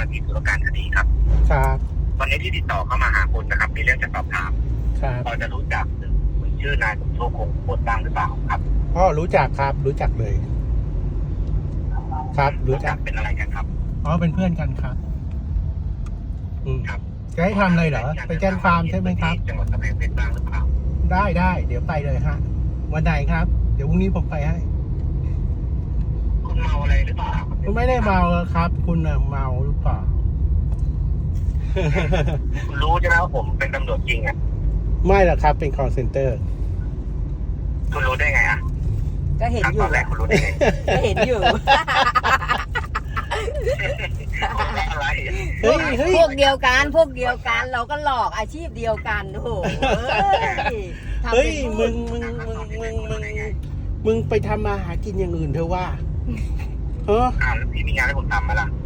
ที่ตุลาการคดีครับครับวันนี้ที่ติดต่อเข้ามาหาคุณนะครับ มีเรื่องจะสอบถามครับพอจะรู้จักหรือคุณชื่อนายสมโชคคงโคตรบ้างหรือเปล่าครับอ๋อรู้จักครับ รู้จักเลย ครับ รู้จักเป็นอะไรกันครับอ๋อเป็นเพื่อนกันครับ อืมครับจะให้ทำอะไรเหรอ ไปแจ้งความใช่ไหมครับจังหวัดกำแพงเพชรบ้างหรือเปล่าได้เดี๋ยวไปเลยฮะวันไหนครับ เดี๋ยวพรุ่งนี้ผมไปให้คุณเมาอะไรหรือเปล่าคุณไม่ได้เมาครับ คุณน่ะเมาหรือเปล่าคุณรู้ใช่ไหมว่าผมเป็นตำรวจจริงอ่ะไม่หรอกครับ เป็น call center คุณรู้ได้ไงอ่ะก็เห็นขั้นอตยู่อนแรกคุณรู้ได้ไงก็เห็นอยู่อะไรเฮ้ยเฮ้ยพวกเดียวกันเราก็หลอกอาชีพเดียวกันโอ้โหทำเฮ้ยเป็นพูดมึงไปทำมาหากินอย่างอื่นเถอะว่าเออแล้วพี่มีงานให้ผมทำไหมล่ะ